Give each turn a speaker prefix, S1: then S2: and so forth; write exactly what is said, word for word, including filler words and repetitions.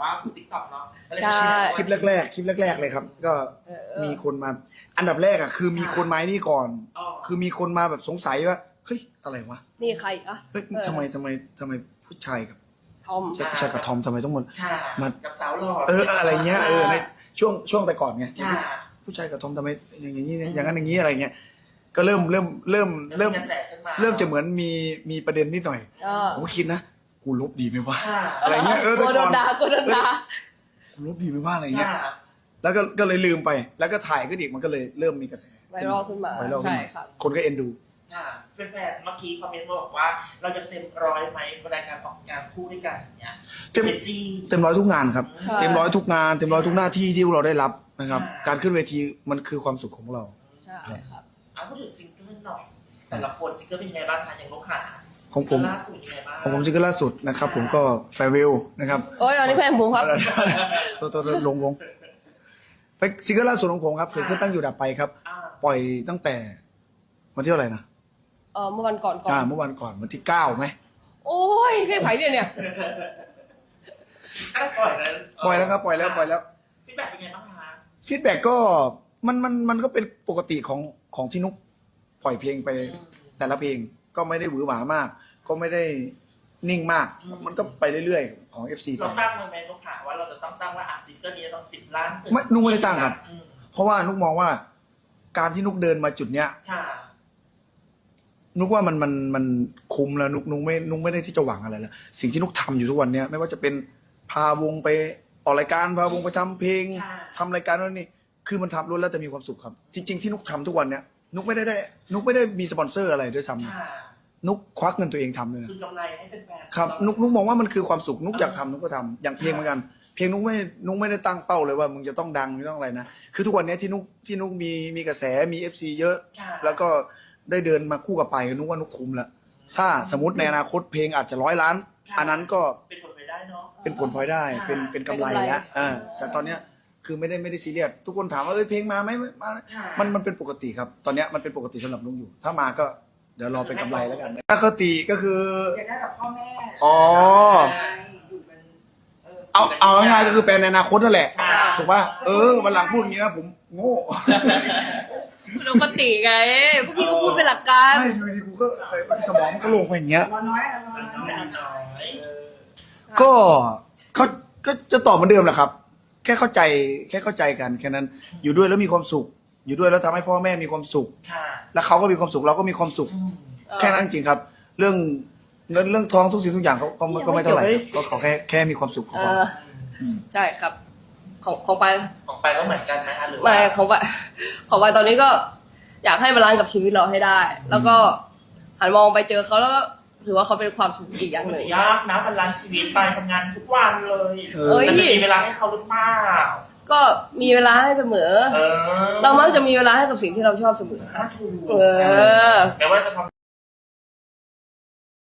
S1: ว่าฝึกติ๊กต็อกเนาะ
S2: ใช่
S3: คลิปแรกๆคลิปแรกๆเลยครับ ก็มีคนมา อันดับแรกอ่ะคือมีคนมานี่ก่อน คือมีคนมาแบบสงสัยว่าเฮ้ยอะไรวะ
S2: นี่ใครอะ
S3: เฮ้ยทำไมทำไมทำไมผู้ชายกับ
S2: ทอม
S3: ผู้ชายกับทอมทำไมต้องมา
S1: มากับสาวหล่อ
S3: เอออะไรเงี้ยเออในช่วงช่วงแต่ก่อนไง
S1: ค่ะ
S3: ผู้ชายกับทอมทำไมอย่างนี้อย่างนั้นอย่างนี้อะไรเงี้ยก็เริ่มเริ่มเริ่มเริ่ม เริ่มจะเหมือนมีมีประเด็นนิดหน่อย
S2: เออ
S3: ผมก็คิดนะกูลบดีไหมวะ
S1: ค่ะ
S3: อะไรเงี้ยเออ
S2: โก
S3: แต่
S2: โด
S3: ก่อน
S2: นด่าโกโดนด่า
S3: กูลบดีไหมว่าอะไรเงี้ย
S1: ค่ะ
S3: แล้วก็ก็เลยลืมไป แล้วก็ถ่ายขึ้นอีกมันก็เลยเริ่มมีกระแส
S2: ไวรัลขึ้นมา
S3: ไวรัลขึ้น
S2: ใช่
S3: มา
S2: ครับ
S3: คนก็เอ็นดู
S1: ค่ะแฟนๆเมื่อกี้คอมเมนต์มาบอกว่าเราจะเต็มร้อยไหมเวลาการออกงานคู่ด้วยกันอย่างเงี้ย
S3: เต็ม
S1: เป็นจี
S3: เต็มร้อยทุกงานครับ
S2: ใช่
S3: เต็มร้อยทุกงานเต็มร้อยทุกหน้าที่ที่เราได้รับนะครับ
S1: อ่า
S3: การขึ้นเวทีมันคือความสุขของเรา
S2: ใช่ครับ
S1: อ่ะพูดถึงซิงเกิลหน่อยแต่ละคนซิงเกิลเป็นยังไงบ้างคะอย่างลูกค้า
S3: ของผม
S1: ล่าสุดยังไงบ้าง
S3: ของผมซิงเกิลล่าสุดนะครับ ผมก็แฟร์วิลนะครับ
S2: โอ้ยอันนี้แฟนผมครับ
S3: ตัวตัวลงลงไปซิงเกิลล่าสุดของผมครับเกิดขึ้นตั้งอยู่ดับไปครับ
S1: อ่า
S3: ปล่อยตั้งแต่วันที่เท่าไหร่นะ
S2: เออเมื่อวันก่อนก่อน
S3: อ่าเมื่อวันก่อนวันที่เก้าไหม
S2: โอ้ยเพลงไผ่เนี่ยเนี่ย
S1: อ่ะปล่อยแล้ว
S3: ปล่อยแล้วครับปล่อยแล้วปล่อยแล้ว
S1: ฟีดแบ็กเป็นไงบ้างคะ
S3: ฟีดแบ็กก็มันมันมันก็เป็นปกติของของที่นุกปล่อยเพลงไปแต่ละเพลงก็ไม่ได้หวือหวามาก ก็ไม่ได้นิ่งมาก มันก็ไปเรื่อยๆของ เอฟ ซี ไป
S1: เราตั้งเลยไหมลูกค้าว่าเราจะต้องตั้งว่าอ่ะซิงเกิลนี้จะต้องสิบล้าน
S3: ไม่นุกไม่ได้ตั้งครับ
S1: อืม
S3: เพราะว่านุกมองว่า การที่นุกเดินมาจุดเนี้ย
S1: ค่ะ
S3: นุกว่ามันมันมันคุ้มแล้วนุกนุกไม่นุกไม่ได้ที่จะหวังอะไรแล้วสิ่งที่นุกทำอยู่ทุกวันเนี้ยไม่ว่าจะเป็นพาวงไปออกรายการพาวงไปทำเพลง
S1: ค่ะ
S3: ทำรายการนั่นนี่คือมันทำล้วนแล้วแต่มีความสุขครับ จริง ๆที่นุกทำทุกวันเนี้ยนุกไม่ได้ได้ นุกไม่ได้มีสปอนเซอร์อะไรด้วยซ้ำนะ
S1: ค่ะ
S3: นุกควักเงินตัวเองทำเลยนะ
S1: คือกำไรให้เป็นแฟน
S3: ครับนุกนุกมองว่ามันคือความสุขนุกอยากทำนุกก็ทำอย่างเพลงเหมือนกันเพลงนุกไม่นุกไม่ได้ตั้งเป้าเลยว่ามึงจะต้องดังไม่ต้องอะไรนะคือทุกวันเนี้ยที่นุกที่นุกมีมีกระแสมี เอฟ ซี เยอะ
S1: ค่ะ
S3: แล้วก็ได้เดินมาคู่กับไปนุกว่านุกคุ้มละถ้าสมมติในอนาคตเพลงอาจจะร้อยล้าน อันนั้นก็
S1: เป็นผลไปได้เนาะ
S3: เป็นผลพลอยได้ เป็นเป็นกำไรแล้วอ่าแต่ตอนเนี้ยคือไม่ได้ไม่ได้ซีเรียสทุกคนถามว่าเอ้ยเพลงมาไหมมา
S1: ค่ะ
S3: มันมันเป็นปกติครับ ตอนเนี้ยมันเป็นปกติสำหรับนุกอยู่ ถ้ามาก็เดี๋ยวรอเป็นกำไรแล้วกันปกติก็คือ
S4: อยากได้แบบพ่อแม่
S3: อ๋อ
S4: อยู่เป็นเออ
S3: เอาเอาง่ายๆก็คือแฟนในอนาคตนั่นแหละ
S1: ค่ะ
S3: ถูกป่ะเออวันหลังพูดอย่างนี้นะผมโง่
S2: ปกติไงพวกพี่ก็พูดเป็นหลักการ
S3: ใช่อยู่ดีกูก็เอ้ยสมองมันก็ลงไปอย่างเงี้ย
S4: นอนน้อยอะนอน
S1: มัน
S4: น้อย
S1: น้อยน้อย
S3: ก็เขาก็จะตอบเหมือนเดิมแหละครับ แค่เข้าใจแค่เข้าใจกันแค่นั้น อยู่ด้วยแล้วมีความสุข อยู่ด้วยแล้วทำให้พ่อแม่มีความสุข
S1: ค่ะ
S3: แล้วเขาก็มีความสุขเราก็มีความสุข
S1: อืม
S3: แค่นั้นจริงครับ เรื่องเงินเรื่องทองทุกสิ่งทุกอย่างเขาเขาก็ไม่เท่าไหร่ครับก็ขอแค่แค่มีความสุขของ
S2: เอ
S3: เรา
S2: อใช่ครับ ของของไป
S1: ของไปก็เหมือนกันไหมคะหรือว่า
S2: ไม่ของไปของไปตอนนี้ก็ อยากให้บาลานซ์กับชีวิตเราให้ได้ แล้วก็หันมองไปเจอเขาแล้วก็ถือว่าเขาเป็นความสุขอีกอย่าง
S1: มัน
S2: หนึ่
S1: จะ
S2: ง
S1: ยากนะบรรลันซ์ชีวิตไปทำงานทุกวันเลย
S3: เอ
S2: เอ้
S3: อย
S1: มันจะมีเวลาให้เขาหรือเปล่า
S2: ก็มีเวลาให้เสมอ
S1: เออ
S2: เรามักจะมีเวลาให้กับสิ่งที่เราชอบเสมอ
S1: ถ้าถูก
S2: เออ
S1: แม้ว่าจะทำ